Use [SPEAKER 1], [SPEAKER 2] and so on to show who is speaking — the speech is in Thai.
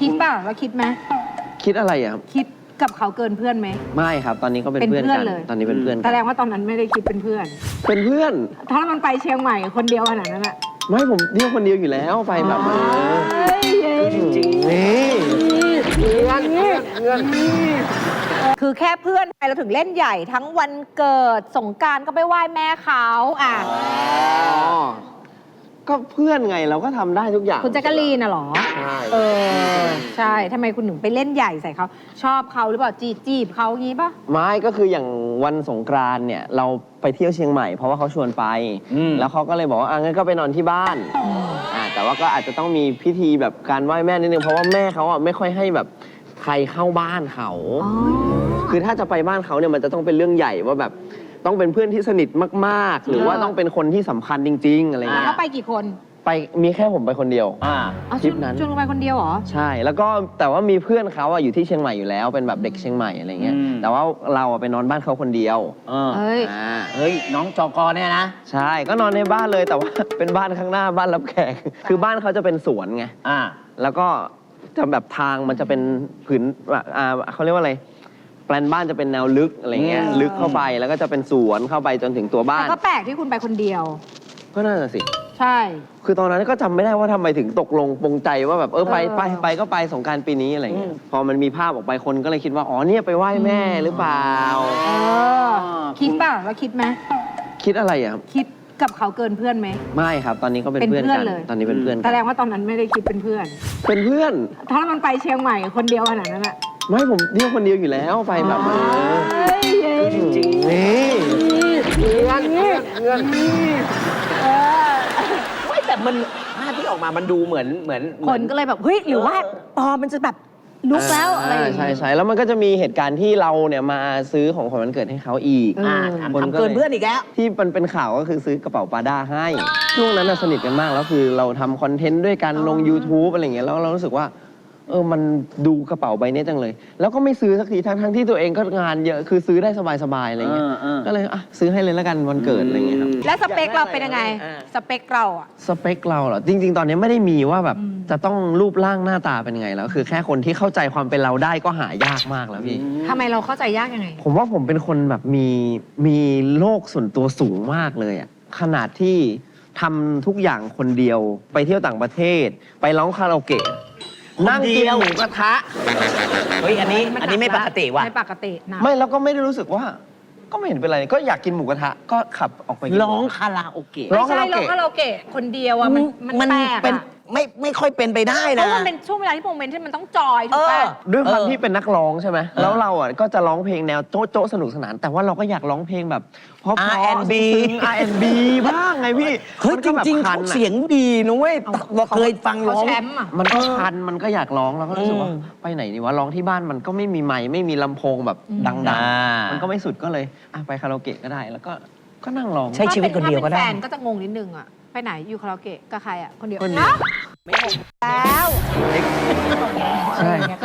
[SPEAKER 1] คิดป่ะว่าคิดไหม
[SPEAKER 2] คิดอะไรอะครับ
[SPEAKER 1] คิดกับเขาเกินเพื่อนไหม
[SPEAKER 2] ไม่ครับตอนนี้ก็เป็นเพื่อนกันตอนนี้เป็นเพื่อน
[SPEAKER 1] แสดงว่าตอนนั้นไม่ได้คิดเป็นเพื่อน
[SPEAKER 2] เป็นเพื่อน
[SPEAKER 1] ถ้ามันไปเชียงใหม่คนเดียวขนาดนั้นอะ
[SPEAKER 2] ไม่ผมเที่ยวคนเดียวอยู่แล้วไปแบบ
[SPEAKER 3] จริงๆ
[SPEAKER 2] นี่
[SPEAKER 3] เพื่อน
[SPEAKER 1] คือแค่เพื่อนไปเราถึงเล่นใหญ่ทั้งวันเกิดสงกรานต์ก็ไปไหว้แม่เขาอ่ะ
[SPEAKER 2] ก็เพื่อนไงเราก็ทำได้ทุกอย่าง
[SPEAKER 1] คุณแจ๊กกะลีนน่ะหรอ
[SPEAKER 2] ใช่
[SPEAKER 1] ใช่ทำไมคุณถึงไปเล่นใหญ่ใส่เขาชอบเขาหรือเปล่าจีบเขางี้ป่ะ
[SPEAKER 2] ไม่ก็คืออย่างวันสงกรานต์เนี่ยเราไปเที่ยวเชียงใหม่เพราะว่าเขาชวนไปแล้วเขาก็เลยบอกว่างั้นก็ไปนอนที่บ้านแต่ว่าก็อาจจะต้องมีพิธีแบบการไหว้แม่นิดนึงเพราะว่าแม่เขาอ่ะไม่ค่อยให้แบบใครเข้าบ้านเขาคือถ้าจะไปบ้านเขาเนี่ยมันจะต้องเป็นเรื่องใหญ่ว่าแบบต้องเป็นเพื่อนที่สนิทมากๆหรือว่าต้องเป็นคนที่สำคัญจริงๆอะไรเงี้ย
[SPEAKER 1] เขาไปกี่คน
[SPEAKER 2] ไปมีแค่ผมไปคนเดียวทริปนั้น
[SPEAKER 1] ชวนไปคนเดียวเหรอ
[SPEAKER 2] ใช่แล้วก็แต่ว่ามีเพื่อนเขาอยู่ที่เชียงใหม่อยู่แล้วเป็นแบบเด็กเชียงใหม่อะไรเงี้ยแต่ว่าเราไปนอนบ้านเขาคนเดียว
[SPEAKER 3] เฮ้ยน้องจกเนี่ยนะ
[SPEAKER 2] ใช่ก็นอนในบ้านเลยแต่ว่าเป็นบ้านข้างหน้าบ้านรับแขกคือบ้านเขาจะเป็นสวนไงแล้วก็จะแบบทางมันจะเป็นผืนเขาเรียกว่าอะไรแปลนบ้านจะเป็นแนวลึกอะไรเงี้ยลึกเข้าไปแล้วก็จะเป็นสวนเข้าไปจนถึงตัวบ้าน
[SPEAKER 1] แต่ก็แปลกที่คุณไปคนเดียว
[SPEAKER 2] ก็น่าจะสิ
[SPEAKER 1] ใช่
[SPEAKER 2] คือตอนนั้นก็จำไม่ได้ว่าทำไมถึงตกลงปรงใจว่าแบบไปก็ไปสงกรานต์ปีนี้อะไรเงี้ยพอมันมีภาพออกไปคนก็เลยคิดว่าอ๋อเนี่ยไปไหว้แม่หรือเปล่า
[SPEAKER 1] คิดป่ะว่าคิดไหม
[SPEAKER 2] คิดอะไรอะครับ
[SPEAKER 1] คิดกับเขาเกินเพื่อนไหม
[SPEAKER 2] ไม่ครับตอนนี้ก็เป็นเพื่อนกันตอนนี้เป็นเพื่อน
[SPEAKER 1] แสดงว่าตอนนั้นไม่ได้คิดเป็นเพื่อน
[SPEAKER 2] เป็นเพื่อน
[SPEAKER 1] ถ้ามันไปเชียงใหม่คนเดียวขนาดนั้นอะ
[SPEAKER 2] ไม่ผมเที่ยวคนเดียวอยู่แล้วไปแบบ
[SPEAKER 3] จริงๆ
[SPEAKER 2] นี่
[SPEAKER 3] เพื่อนไม่แต่มันภาพที่ออกมามันดูเหมือน
[SPEAKER 1] คนก็เลยแบบเฮ้ยหรือว่าปอมันจะแบบลุกแล้วอะไร
[SPEAKER 2] ใช่แล้วมันก็จะมีเหตุการณ์ที่เราเนี่ยมาซื้อของขวัญวันเกิดให้เขาอีก
[SPEAKER 3] ทำเกินเพื่อนอีกแล้ว
[SPEAKER 2] ที่มันเป็นข่าวก็คือซื้อกระเป๋าปาด้าให้ช่วงนั้นสนิทกันมากแล้วคือเราทำคอนเทนต์ด้วยกันลง YouTube อะไรอย่างเงี้ยแล้วเรารู้สึกว่ามันดูกระเป๋าใบนี้จังเลยแล้วก็ไม่ซื้อสักทีทั้งที่ตัวเองก็งานเยอะคือซื้อได้สบายๆอะไรเงี้ยก็เลยซื้อให้เลยแล้วกันวันเกิดอะไรเงี้ยครับ
[SPEAKER 1] แล้วสเปคเราเป็นยังไงสเปคเราอะ
[SPEAKER 2] สเปคเราเหรอจริงๆตอนนี้ไม่ได้มีว่าแบบจะต้องรูปร่างหน้าตาเป็นไงแล้วคือแค่คนที่เข้าใจความเป็นเราได้ก็หายากมากแล้วพี่
[SPEAKER 1] ทำไมเราเข้าใจยากยังไง
[SPEAKER 2] ผมว่าผมเป็นคนแบบมีโลกส่วนตัวสูงมากเลยอะขนาดที่ทำทุกอย่างคนเดียวไปเที่ยวต่างประเทศไปร้องคาราโอเกะ
[SPEAKER 3] นั่งกินหมูกระทะเฮ้ยอันนี้ไม่ปกติว่ะ
[SPEAKER 1] ไม่ปกตินะ
[SPEAKER 2] ไม่แล้วก็ไม่ได้รู้สึกว่าก็ไม่เห็นเป็นไรก็อยากกินหมูกระทะก็ขับออกไป
[SPEAKER 3] ร้องคาราโอเกะ
[SPEAKER 1] ไม่ใช่ร้องคาราโอเกะคนเดียวอะมันแปลกอะ
[SPEAKER 3] ไม่ค่อยเป็นไปได้นะ
[SPEAKER 1] เพราะมันเป็นช่วงเวลาที่โมเมนต์ที่มันต้องจอยถูกป่ะ
[SPEAKER 2] ด้วยความที่เป็นนักร้องใช่ไหมแล้วเราก็จะร้องเพลงแนวโจ๊ะสนุกสนานแต่ว่าเราก็อยากร้องเพลงแบบเพราะ
[SPEAKER 3] R&B
[SPEAKER 2] บ้างไงพี่
[SPEAKER 3] เฮ้ยจริงๆเขาเสียงดีนะเว้ยเคยฟังร้อง
[SPEAKER 2] มันก็คันมันก็อยากร้องแล้วก็รู้สึกว่าไปไหนดีวะร้องที่บ้านมันก็ไม่มีไมค์ไม่มีลำโพงแบบดังๆมันก็ไม่สุดก็เลยไปคาราโอเกะก็ได้แล้วก็นั่งร้อง
[SPEAKER 3] ใช้ชีวิตคนเดียวก็ได้
[SPEAKER 1] แฟนก็จะงงนิดนึงอะไปไหนอยู่คาราโอเกะกับใครอะคนเดียวไม่งงแล้ว
[SPEAKER 2] ใช่